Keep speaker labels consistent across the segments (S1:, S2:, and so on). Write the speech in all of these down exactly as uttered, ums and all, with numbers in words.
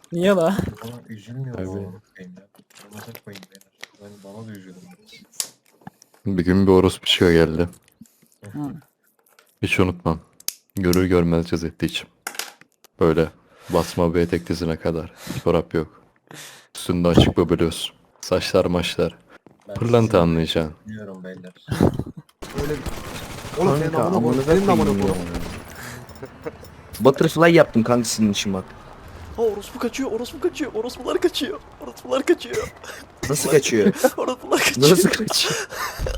S1: Niye la?
S2: Bana üzülmüyor
S3: Tabii.
S2: mu? Koyayım ya. Ramazan koyayım beyler. Ben bana da üzülüyorum.
S3: Bir gün bir orospu çıkıyor geldi.
S1: Hı.
S3: Hiç unutmam. Görür görmez cız etti içim. Böyle basma bir etek dizine kadar. Çorap yok. Üstünde açık böbürüz. Saçlar maçlar.
S2: Ben
S3: Pırlanta
S2: sizi
S3: anlayacaksın.
S2: Üzülüyorum beyler.
S4: Öyle. Oğlum senin
S3: Kanka
S4: amına koy.
S3: amına
S4: Senin amına
S3: koyayım
S4: koy.
S3: ya.
S5: Butterfly yaptım kanka senin için bak.
S6: Ha orospu kaçıyor, orospu kaçıyor, orospular kaçıyor. Orospular kaçıyor.
S5: Nasıl kaçıyor?
S6: Orospular kaçıyor.
S5: Nasıl kaçıyor?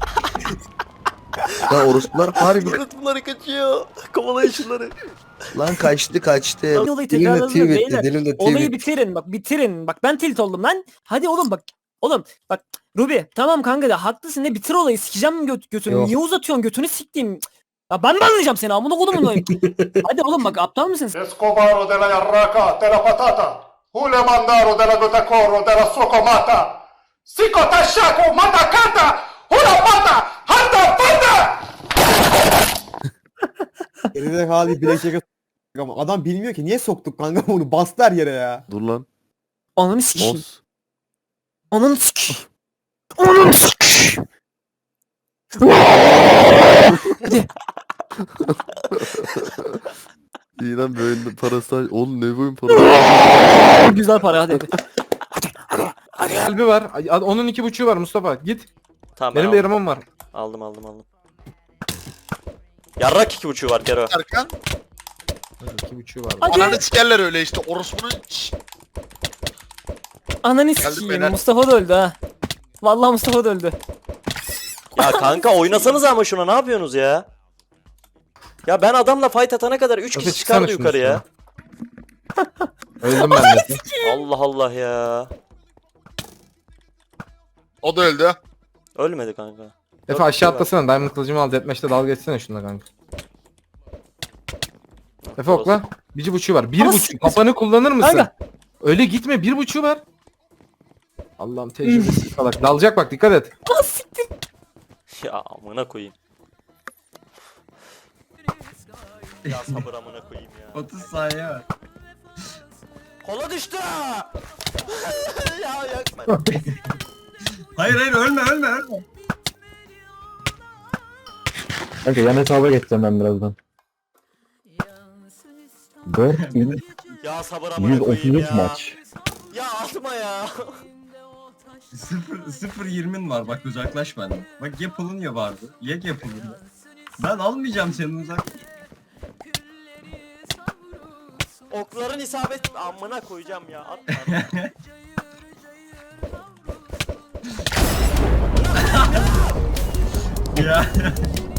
S5: Lan orospular harbi
S6: Orospular kaçıyor. Kovalayın şunları.
S5: lan kaçtı kaçtı.
S1: Olayı
S5: Dilimle
S1: tekrarladım
S5: tweet
S1: beyler.
S5: etti, dilimle
S1: Olayı
S5: tweet.
S1: bitirin bak bitirin. Bak ben tilt oldum lan. Hadi oğlum bak. Oğlum bak Ruby tamam kanka da haklısın ne bitir olayı sikeceğim göt götünü.
S5: Yok.
S1: Niye uzatıyorsun götünü siktiğim. Ya ben mi anlayacağım seni amına kodumun olayım. Hadi oğlum bak aptal mısın sen?
S7: Escobaro de la Yarraca, de la Patata, Hulemandaro de la Gotacoro, de la Socomata, Sicota Shaco, Matacata, Hula Pata, Handa Pata!
S4: Elinde hali bilekçe ama adam bilmiyor ki niye soktuk kanka bunu bastılar yere ya.
S3: Dur lan.
S1: Ananı sikeyim.
S3: Os.
S1: Ananı sikeyim. Ananı sikeyim. Hadi.
S3: İyi lan böyle parası. Oğlum ne boyun parası?
S1: Güzel para hadi.
S8: Kalbi var. Ay, Onun iki buçuğu var Mustafa. Git.
S6: Tamam
S8: Benim
S6: ben
S8: de
S6: aldım.
S8: yaramam var.
S6: Aldım aldım aldım. Yarrak iki buçuğu var Kero.
S7: Erkan,
S8: İki buçuğu var.
S1: Hadi.
S7: ananı sikerler öyle işte, orospunun... Şşş,
S1: Ananı
S7: Geldim
S1: sikeyim.
S7: beyler.
S1: Mustafa da öldü ha. Vallahi Mustafa da öldü.
S6: Ya kanka oynasanız ama şuna ne yapıyorsunuz ya? Ya ben adamla fight atana kadar üç
S8: Öte
S6: kişi
S8: çıksana
S6: çıkardı
S8: şunun
S6: yukarı ya.
S8: Öldüm ben de.
S6: Allah Allah ya.
S7: o da öldü.
S6: Ölmedi kanka.
S8: Efe aşağı atlasana. Diamond kılıcımı al. Deathmatch'te dalga geçsene şununla kanka. Efe okla. Bir buçuğu var. Bir
S1: Ama
S8: buçuk.
S1: siktir.
S8: Kafanı kullanır mısın?
S1: Kanka.
S8: Öyle gitme. Bir buçuğu var. Allah'ım tecrübesiz salak. Dalacak bak dikkat et.
S1: Ah siktir.
S6: Ya amına koyayım. Ya sabır amına koyayım ya.
S2: otuz saniye var.
S6: Kola düştü. Ya yakma.
S2: Hayır hayır ölme ölme ölme.
S3: Kanka yan hesaba geçeceğim ben birazdan. dört bin
S6: Ya sabır amına
S3: yüz
S6: koyayım
S3: otuz üç
S6: ya.
S3: maç.
S6: Ya atma ya.
S2: Sıfır, sıfır yirmin var bak uzaklaş benden. Bak yapılınca vardı. Yek yapılınca. Ben almayacağım seni uzak.
S6: Okların isabet amına koyacağım ya. Atma.
S2: Ya.